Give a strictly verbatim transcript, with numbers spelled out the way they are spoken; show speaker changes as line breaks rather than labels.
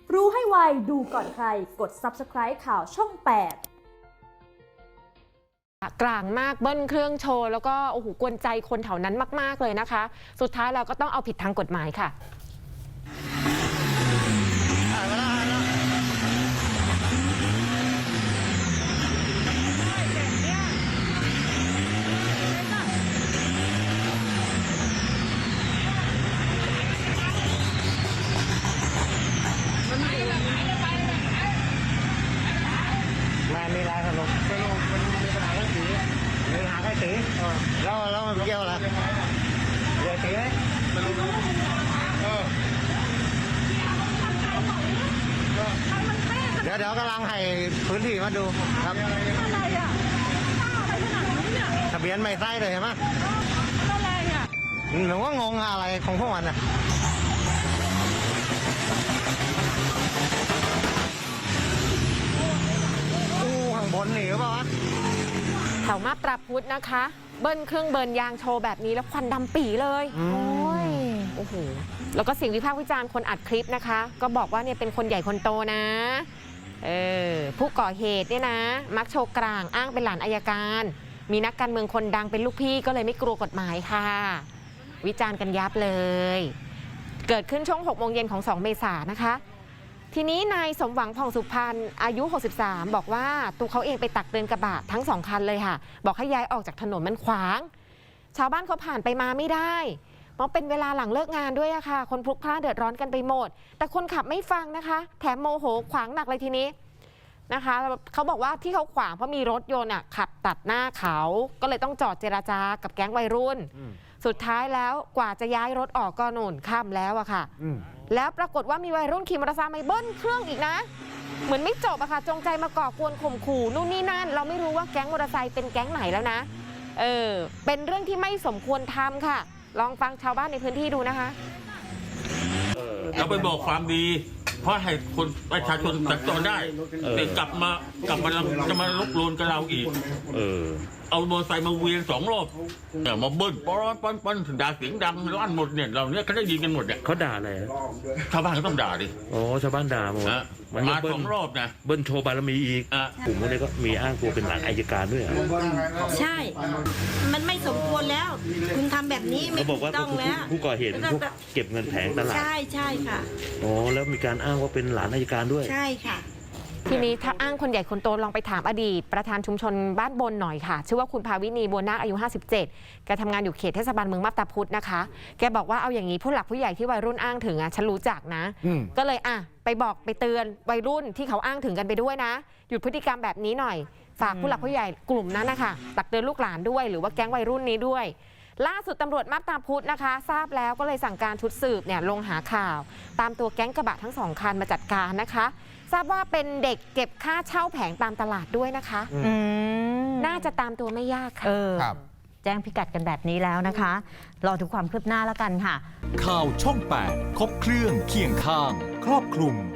รู้ให้ไวดูก่อนใครกด ซับสไครบ์ ข่าวช่อง แปด
กลางมากเบิ้ลเครื่องโชว์แล้วก็โอ้โหกวนใจคนแถวนั้นมากๆเลยนะคะสุดท้ายเราก็ต้องเอาผิดทางกฎหมายค่ะ
มันมีอะไรสรุปสรุปมันมีปัญหาเรื่องสีมีปัญหาแค่สีแล้วแล้วมันเกี่ยวอะไรเกี่ยวสีไหมสรุปเออเดี๋ยวเดี๋ยวกำลังให้พื้นที่มาดูครับอะไรอ่ะทะเบียนไม่ใช่เลยใช่ไหมอะไรอ่ะหนูว่างงอะไรของพวกมันอ่ะบนหนีหรือเปล่าวะ
แถวมาบตาพุธนะคะเบิ้ลเครื่องเบิร์นยางโชว์แบบนี้แล้วควันดำปีเลยโอ้ยโอ้โหแล้วก็เสียงวิพากษ์วิจารณ์คนอัดคลิปนะคะก็บอกว่าเนี่ยเป็นคนใหญ่คนโตนะเออผู้ก่อเหตุเนี่ยนะมักโชว์กลางอ้างเป็นหลานอัยการมีนักการเมืองคนดังเป็นลูกพี่ก็เลยไม่กลัวกฎหมายค่ะวิจารณ์กันยับเลยเกิดขึ้นช่วงหกโมงเย็นของสองเมษายนนะคะทีนี้นายสมหวังผ่องสุพรรณอายุหกสิบสามบอกว่าตัวเขาเองไปตักเตือนกระบะทั้งสองคันเลยค่ะบอกให้ย้ายออกจากถนนมันขวางชาวบ้านเขาผ่านไปมาไม่ได้เพราะเป็นเวลาหลังเลิกงานด้วยอะค่ะคนพลุกพล่านเดือดร้อนกันไปหมดแต่คนขับไม่ฟังนะคะแถมโมโหขวางหนักเลยทีนี้นะคะเขาบอกว่าที่เขาขวางเพราะมีรถยนต์อะขับตัดหน้าเขาก็เลยต้องจอดเจรจากับแก๊งวัยรุ่นสุดท้ายแล้วกว่าจะย้ายรถออกก็โน่นค่ำแล้วอะค่ะแล้วปรากฏว่ามีวัยรุ่นขี่มอเตอร์ไซค์มาเบิ้ลเครื่องอีกนะเหมือนไม่จบอะค่ะจงใจมาก่อกวนข่มขู่นู่นนี่นั่นเราไม่รู้ว่าแก๊งมอเตอร์ไซค์เป็นแก๊งไหนแล้วนะเออเป็นเรื่องที่ไม่สมควรทำค่ะลองฟังชาวบ้านในพื้นที่ดูนะคะ
เราไปบอกความดีเพราะให้คนประชาชนสัญจรได้แต่กลับมากลับมาจะมาลุกโลนกับเราอีกเออเอามอเตอร์ไซค์มาเวียนสองรอบเนี่ยมาเบิ้ลปอนปอนปอนด่าเสียงดังลั่นหมดเนี่ยเราเนี่ยเขาได้ยินกันหมดเนี่ย
เขาด่าอะไร
ชาวบ้านก็ต้องด่าดิ
โอ้ชาวบ้านด่าหมด
มาสองรอบนะ
เบิ้ลโชว์บารมีอีกกลุ่มพวกนี้ก็มีอ้างตัวเป็นหลานอัยการด้วย
ใช่มันไม่สมควรแล้วคุณทำแบบนี้ไม่ถูกต้องแล้ว
ผู้ก่อเหตุพวกเก็บเงินแผงตลาด
ใช่ใช่ค่ะ
โอ้แล้วมีการอ้างว่าเป็นหลานอัยการด้วย
ใช่ค่ะ
ทีนี้ถ้าอ้างคนใหญ่คนโตลองไปถามอดีตประธานชุมชนบ้านบนหน่อยค่ะชื่อว่าคุณภาวินีบัวนาคอายุห้าสิบเจ็ดแกทำงานอยู่เขตเทศบาลเมืองมาบตาพุธนะคะแกบอกว่าเอาอย่างนี้ผู้หลักผู้ใหญ่ที่วัยรุ่นอ้างถึงอ่ะฉันรู้จักนะก็เลยอ่ะไปบอกไปเตือนวัยรุ่นที่เขาอ้างถึงกันไปด้วยนะหยุดพฤติกรรมแบบนี้หน่อยฝากผู้หลักผู้ใหญ่กลุ่มนั้นนะคะตักเตือนลูกหลานด้วยหรือว่าแก๊งวัยรุ่นนี้ด้วยล่าสุดตำรวจมาบตาพุธนะคะทราบแล้วก็เลยสั่งการชุดสืบเนี่ยลงหาข่าวตามตัวแก๊งกระบะทั้งสองคันมาจัดการนะคะทราบว่าเป็นเด็กเก็บค่าเช่าแผงตามตลาดด้วยนะคะน่าจะตามตัวไม่ยากค่ะ
แจ้งพิกัดกันแบบนี้แล้วนะคะรอดูความคืบหน้าแล้วกันค่ะ
ข่าวช่องแปดครบเครื่องเคียงข้างครอบคลุม